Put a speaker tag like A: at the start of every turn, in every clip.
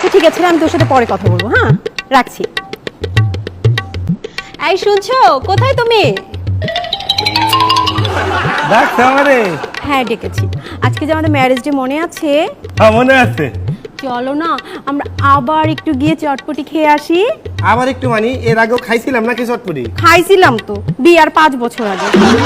A: ঠিক আছে আমি তোর সাথে পরে কথা বলবো। হ্যাঁ রাখছি। এই শুনছো, কোথায় তুমি?
B: ডাকছে আমারে?
A: হ্যাঁ ডেকেছি। আজকে যে আমাদের ম্যারেজ ডে মনে আছে?
B: হ্যাঁ মনে আছে।
A: চলো না আমরা আবার একটু গিয়ে চটপটি খেয়ে আসি।
B: আবার একটু মানে এর আগেও খাইছিলাম নাকি চটপটি?
A: খাইছিলাম তো বিয়ার 5 বছর আগে।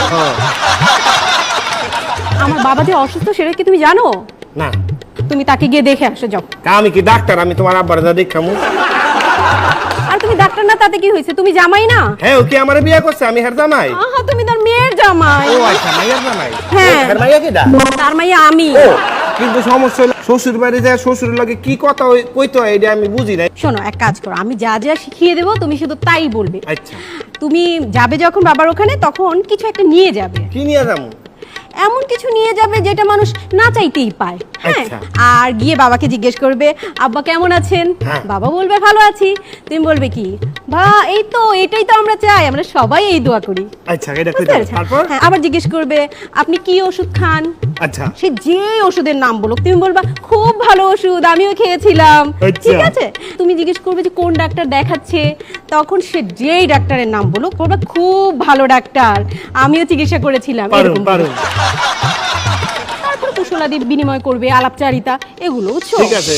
A: আমার বাবা যে অসুস্থ সেটা কি তুমি জানো?
B: না।
A: তুমি তাকে গিয়ে দেখে আসো যাও।
B: আমি কি ডাক্তার? আমি তোমার আব্বার যা দেখামু।
A: আর তুমি ডাক্তার না তাতে কি হয়েছে? তুমি জামাই না?
B: হ্যাঁ ও কি আমারে বিয়ে করছে? আমি হের জামাই।
A: আহা তুমি তার মেয়ের জামাই।
B: ও আচ্ছা মাইয়ার জামাই।
A: হ্যাঁ।
B: হের মাইয়া কিডা?
A: তার মাইয়া আমি।
B: ও কিন্তু সমস্যা হলো শ্বশুর বাড়ি যায় শ্বশুরের লগে কি কথা কইতে হয় এটা আমি বুঝি না।
A: শোনো এক কাজ করো, আমি যা যা শিখিয়ে দেবো তুমি শুধু তাই বলবে।
B: আচ্ছা।
A: তুমি যাবে যখন বাবার ওখানে তখন কিছু একটা নিয়ে যাবে।
B: কি নিয়ে যাবো?
A: এমন কিছু নিয়ে যাবে যেটা মানুষ না চাইতেই পায়। হ্যাঁ
B: আচ্ছা।
A: আর গিয়ে বাবাকে জিজ্ঞেস করবে আব্বা কেমন আছেন?
B: হ্যাঁ।
A: বাবা বলবে ভালো আছি। তুমি বলবে কি এই তো এটাই তো আমরা চাই, আমরা সবাই এই দোয়া করি।
B: আচ্ছা এটা
A: বুঝতে
B: কইতে
A: পেরেছো?
B: তারপর?
A: হ্যাঁ, আবার জিজ্ঞেস করবে আপনি কি ওষুধ খান?
B: আচ্ছা।
A: সে যে ওষুধের নাম বলো তুমি বলবা খুব ভালো ওষুধ আমিও খেয়েছিলাম।
B: আচ্ছা।
A: ঠিক আছে। তুমি জিজ্ঞেস করবে যে কোন ডাক্তার দেখাচ্ছে, তখন সে যেই ডাক্তারের নাম বলো বলবা খুব ভালো ডাক্তার আমিও চিকিৎসা করেছিলাম।
B: পারুম
A: এরকম
B: পারুম।
A: তারপর কুশলাদি বিনিময় করবে, আলাপচারিতা এগুলো বুঝছো?
B: ঠিক আছে।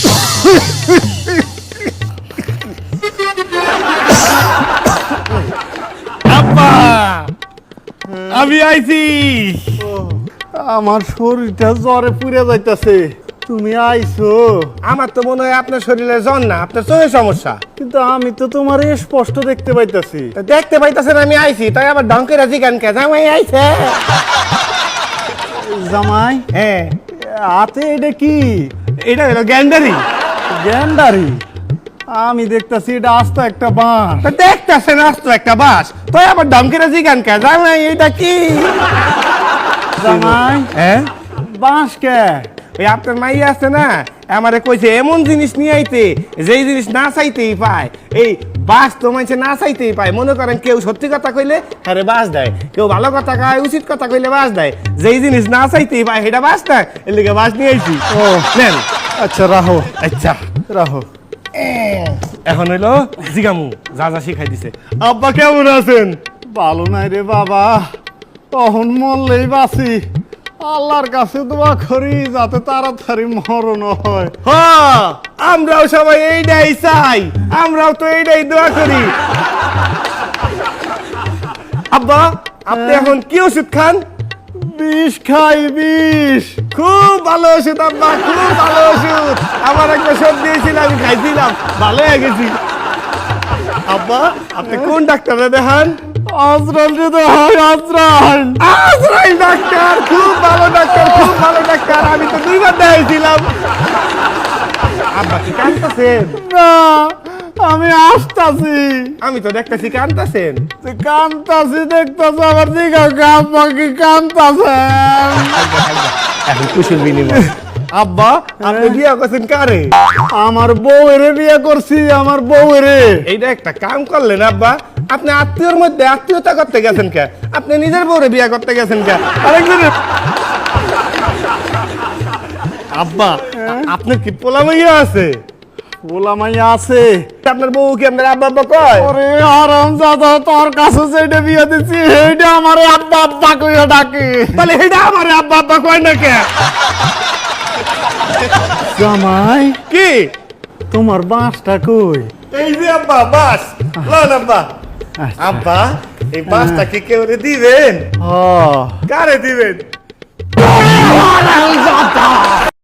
B: আব্বা আমি আইছি।
C: আমার শরীরটা জ্বরে পুড়ে যাইতাছে, তুমি আইছো?
B: আমার তো মনে হয় আপনার শরীরে জ্বর না, আপনার চোখের সমস্যা।
C: কিন্তু আমি তো তোমার স্পষ্ট দেখতে পাইতাছি।
B: তা দেখতে পাইতাছেন আমি আইছি, তাই আবার ডঙ্কের আজি গান কে জামাই আইছে।
C: জামাই
B: হ্যাঁ
C: হাতে এটা কি?
B: এটা হলো গ্যান্ডারি।
C: গ্যান্ডারি? আমি দেখতাছি এটা আস্ত একটা বাঁশ।
B: তা দেখতেছেন আসতো একটা বাস, তাই আবার ডঙ্কের আজি গান কে জামাই এটা কি?
C: জামাই
B: হ্যাঁ
C: বাঁশ কে?
B: ওই আপনার মাই আছে না, আমারে কইছে এমন জিনিস নিয়ে আইতে যেই জিনিস না চাইতেই পায়। এই বাস তো মানছে না চাইতেই পায়। মনে করেন কেউ সত্যি কথা কইলে আরে বাস দেয়, কেউ ভালো কথা কয় উচিত কথা কইলে বাস দেয়। যেই জিনিস না চাইতেই পায় সেটা বাস দেয়, এর লিগে বাস নিয়ে আইছি।
C: ও
B: নেন।
C: আচ্ছা রাহো
B: আচ্ছা
C: রাহো।
B: এখন হইলো জিগামু যা যা শিখাই দিছে। আব্বা কেমন আছেন?
C: ভালো নাই রে বাবা, তখন মরলেই বাঁচি। আল্লাহর কাছে দোয়া করি যাতে তাড়াতাড়ি মরণ হয়।
B: হ্যাঁ আমরাও সবাই এইটাই চাই, আমরাও তো এইটাই দোয়া করি। আব্বা আপনি এখন কি ওষুধ খান?
C: বিষ খাই বিষ।
B: খুব ভালো ওষুধ আব্বা, খুব ভালো ওষুধ। আমার একবার সর্দি হয়েছিল আমি খাইছিলাম, ভালো হয়ে গেছি। আব্বা আপনি কোন ডাক্তারে দেখান?
C: আজরাল যদি হয় আজরাল।
B: আজরাইল ডাক্তার খুব ভালো ডাক্তার, খুব ভালো ডাক্তার। আমি তো 2 বার দেখাইছিলাম। আব্বা কি কাঁদতেছেন?
C: না আমি আসতাছি।
B: আমি তো দেখতেছি কাঁদতেছেন।
C: কান্তাছি দেখতেছ আবার দিঘা আব্বা কি কান্তাছেন?
B: এখন কুশল বিনিময়। আব্বা আপনি বিয়া করছেন কারে?
C: আমার বউয়েরে বিয়ে করছি, আমার বউয়েরে।
B: এইটা একটা কাম করলেন আব্বা, আপনি আত্মীয়র মধ্যে আত্মীয়তা করতে গেছেন কে? আপনি নিজের বউরে বিয়া করতে গেছেন কে? আরেকজনের আব্বা আপনার কি পোলা মাইয়া আছে?
C: বলা মাইয়া আছে।
B: আপনার বউ কি আপনার আব্বা আব্বা কয়?
C: ওরে আরাম দাদা, তোর কাছে যেটা বিয়ে দিচ্ছি সেইটা আমার আব্বা আব্বা কইয়া ডাকে।
B: তাহলে এটা আমার আব্বা আব্বা কয় না কে?
C: জামাই
B: কি
C: তোমার বাঁশটা কই?
B: এই যে আব্বা বাস লন আব্বা।
C: আচ্ছা।
B: আব্বা এই বাসটা কি কেউ দিবেন?
C: হ
B: কারে দিবেন?